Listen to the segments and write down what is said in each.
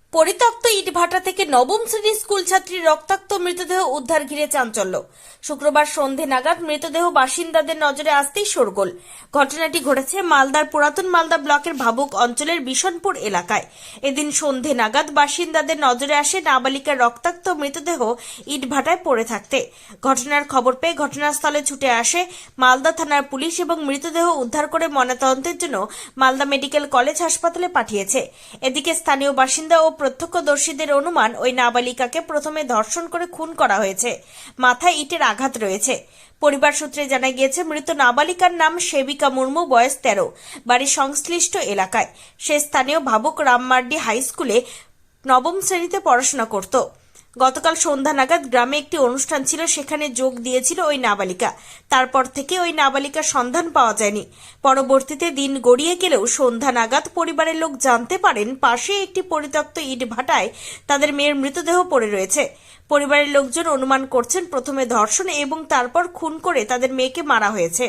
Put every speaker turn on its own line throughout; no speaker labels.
পরিত্যক্ত ইটভাটা থেকে নবম শ্রেণীর স্কুল ছাত্রীর রক্তাক্ত মৃতদেহ উদ্ধার ঘিরে চাঞ্চল্য। শুক্রবার সন্ধে নাগাদ মৃতদেহ বাসিন্দাদের নজরে আসতেই শোরগোল। ঘটনাটি ঘটেছে মালদার পুরাতন মালদা ব্লকের ভাবুক অঞ্চলের বিশনপুর এলাকায়। এদিন সন্ধে নাগাদ বাসিন্দাদের নজরে আসে নাবালিকার রক্তাক্ত মৃতদেহ ইটভাটায় পড়ে থাকতে। ঘটনার খবর পেয়ে ঘটনাস্থলে ছুটে আসে মালদা থানার পুলিশ এবং মৃতদেহ উদ্ধার করে ময়নাতদন্তের জন্য মালদা মেডিকেল কলেজ হাসপাতালে পাঠিয়েছে। এদিকে স্থানীয় বাসিন্দা ও প্রত্যক্ষদর্শীদের অনুমান ওই নাবালিকাকে প্রথমে ধর্ষণ করে খুন করা হয়েছে। মাথায় ইটের আঘাত রয়েছে। পরিবার সূত্রে জানা গিয়েছে মৃত নাবালিকার নাম সেবিকা মুর্মু, বয়স 13, বাড়ি সংশ্লিষ্ট এলাকায়। সে স্থানীয় ভাবুক রামমার্ডি হাই স্কুলে নবম শ্রেণীতে পড়াশোনা করত। গতকাল সন্ধ্যা নাগাদ গ্রামে একটি অনুষ্ঠান ছিল, সেখানে যোগ দিয়েছিল ওই নাবালিকা। তারপর থেকে ওই নাবালিকার সন্ধান পাওয়া যায়নি। পরবর্তীতে দিন গড়িয়ে গেলেও সন্ধ্যা নাগাদ পরিবারের লোক জানতে পারেন পাশে একটি পরিত্যক্ত ইট ভাটায় তাদের মেয়ের মৃতদেহ পড়ে রয়েছে। পরিবারের লোকজন অনুমান করছেন প্রথমে ধর্ষণ এবং তারপর খুন করে তাদের মেয়েকে মারা হয়েছে।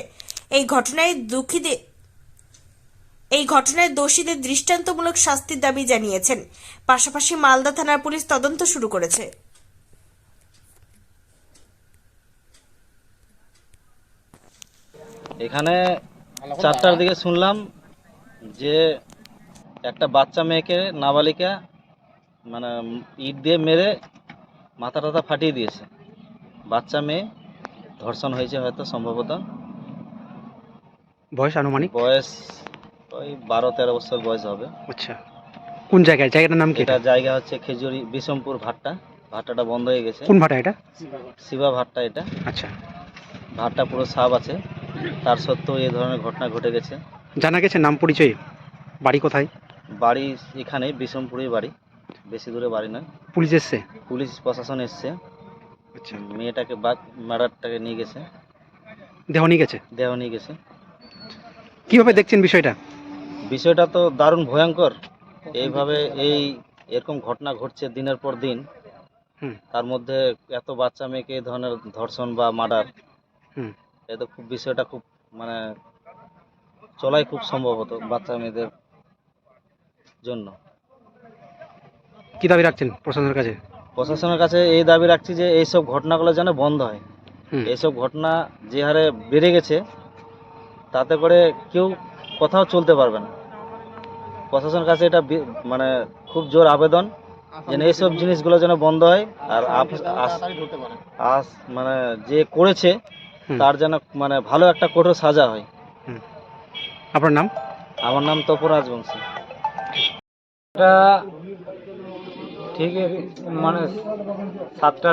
এই ঘটনায় দোষীদের দৃষ্টান্তমূলক শাস্তির দাবি জানিয়েছেন। পাশাপাশি মালদা থানার পুলিশ তদন্ত শুরু করেছে।
এখানে 4টার দিকে শুনলাম যে একটা বাচ্চা মেয়েকে নাবালিকা মানে ইট দিয়ে মেরে মাথা টাথা ফাটিয়ে দিয়েছে। বাচ্চা মেয়ে ধর্ষণ হয়েছে, হয়তো সম্ভবত।
বয়স আনুমানিক
বয়স ওই 12-13 বছর বয়স হবে।
আচ্ছা, কোন জায়গায়? জায়গাটার নাম কি?
এটা জায়গা হচ্ছে খেজুরি বিশমপুর ভাট্টা। ভাট্টাটা বন্ধ হয়ে গেছে।
কোন ভাটা এটা?
শিবা ভাট্টা এটা।
আচ্ছা,
ভাট্টা পুরো সাফ আছে, তার সত্ত্বেও এই ধরনের ঘটনা ঘটে গেছে।
জানা গেছে নাম পরিচয়? বাড়ি কোথায়?
বাড়ি এখানে বিশমপুরেই বাড়ি, বেশি দূরে বাড়ি নয়।
পুলিশ এসছে?
পুলিশ প্রশাসন এসছে।
আচ্ছা,
মেয়েটাকে মার্ডারটাকে নিয়ে গেছে।
দেহ নিয়ে গেছে?
দেহ নিয়ে গেছে।
কিভাবে দেখছেন বিষয়টা?
বিষয়টা তো দারুণ ভয়ঙ্কর। এইভাবে এরকম ঘটনা ঘটছে দিনের পর দিন। তার মধ্যে এত বাচ্চা মেয়েকে এই ধরনের ধর্ষণ বা মার্ডার, এটা খুব বিষয়টা খুব মানে চলাই খুব সম্ভবত বাচ্চা মেয়েদের জন্য।
কি দাবি রাখছেন প্রশাসনের কাছে?
প্রশাসনের কাছে এই দাবি রাখছি যে এইসব ঘটনাগুলো যেন বন্ধ হয়। এইসব ঘটনা যে হারে বেড়ে গেছে, তাতে করে কেউ কোথাও চলতে পারবে না। প্রশাসনের কাছে এটা মানে খুব জোর আবেদন যেন এইসব জিনিসগুলো যেন বন্ধ হয়। আর মানে যে করেছে তার যেন মানে ভালো একটা কঠোর সাজা হয়।
আপনার নাম?
আমার নাম তপরাজ বংশী।
এটা ঠিক মানে 7টার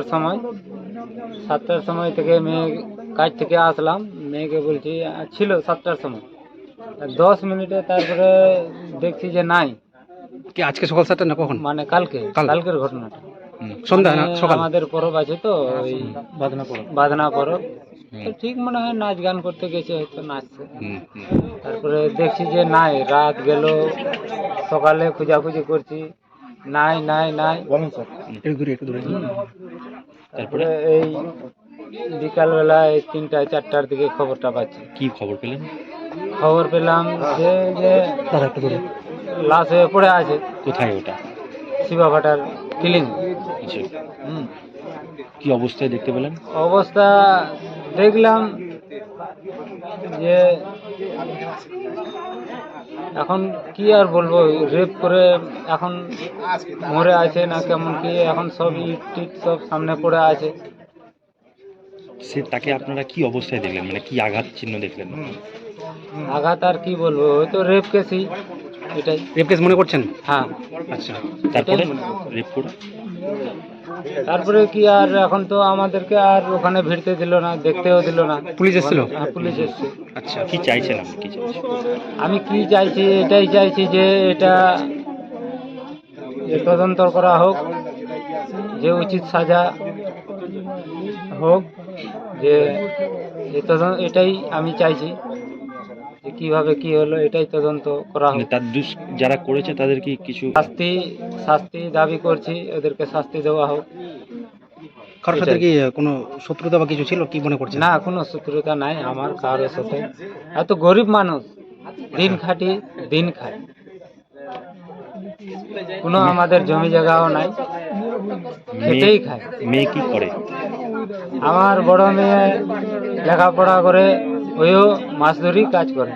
সময় থেকে মেয়ে কাজ থেকে আসলাম। মেয়েকে বলছি ছিল 7টার সময়, 10 মিনিটে তারপরে দেখছি যে নাই।
কি আজকে সকাল 7টা না কখন?
মানে কালকের ঘটনাটা।
সন্ধ্যা না সকাল?
আমাদের পরব আছে তো, ওই বাদনা পরব। তো ঠিক মনে হয় নাচ গান করতে গেছে, হয়তো নাচছে। তারপরে দেখছি যে নাই। রাত গেল, সকালে খোঁজাখুঁজি করছি, নাই নাই নাই। তারপরে এই বিকালবেলা 3টা-4টার দিকে খবরটা পাচ্ছি।
কি খবর পেলেন?
খবর পেলাম যে লাশ হয়ে পড়ে আছে।
কোথায় ওটা?
শিবা ভাটার কিলিং।
কি অবস্থায় দেখতে পেলেন?
অবস্থা দেখলাম যে এখন কি আর বলবো, রেপ করে এখন মরে আছে না কেমন কি, এখন সব ইট টিট সব সামনে পড়ে আছে।
তাকে আপনারা কি অবস্থায় দেখলেন, মানে কি আঘাত চিহ্ন দেখলেন?
আঘাত আর কি বলবো, ওই তো রেপ কেসই। এটাই
রেপ কেস মনে করছেন?
হ্যাঁ।
আচ্ছা, তারপরে রেপ করে
তারপরে কি আর, এখন তো আমাদেরকে আর ওখানে ভিড়তে দিল না, দেখতেও দিল না।
পুলিশ এসেছিল?
হ্যাঁ, পুলিশ এসছে।
আচ্ছা, কি চাইছেন আপনি? কি চাইছেন?
আমি কি চাইছি, এটাই চাইছি যে এটা তদন্ত করা হোক, যে উচিত সাজা হোক, যে এটাই আমি চাইছি যে কিভাবে কি হলো, এটাই তদন্ত করা হোক।
তার যারা করেছে তাদের কি কিছু
শাস্তি দাবি করছি, ওদেরকে শাস্তি দেওয়া হোক।
কারোর সাথে কি কোনো শত্রুতা বা কিছু ছিল কি মনে করছেন?
না, কোনো শত্রুতা নাই আমার কারোর সাথে। এত গরিব মানুষ, দিন খাটি দিন খায়, কোনো আমাদের জমি জায়গাও নাই, খেটেই খায়।
মেয়ে কি করে?
আমার বড় মেয়ে লেখাপড়া করে, ওইও মাছ ধরি কাজ করে।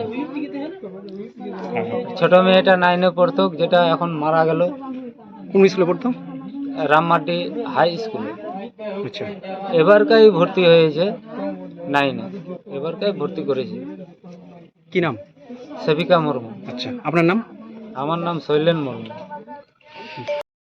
ছোট মেয়েটা 9-এ পড়তো, যেটা এখন মারা গেল,
কোন স্কুলে পড়তো?
রামমাটি হাই স্কুলে।
আচ্ছা,
এবারকাই ভর্তি হয়েছে 9-এ, এবারকাই ভর্তি করেছি।
কি নাম?
সেবিকা মুর্মু।
আচ্ছা, আপনার নাম?
আমার নাম শৈলেন মুর্মু।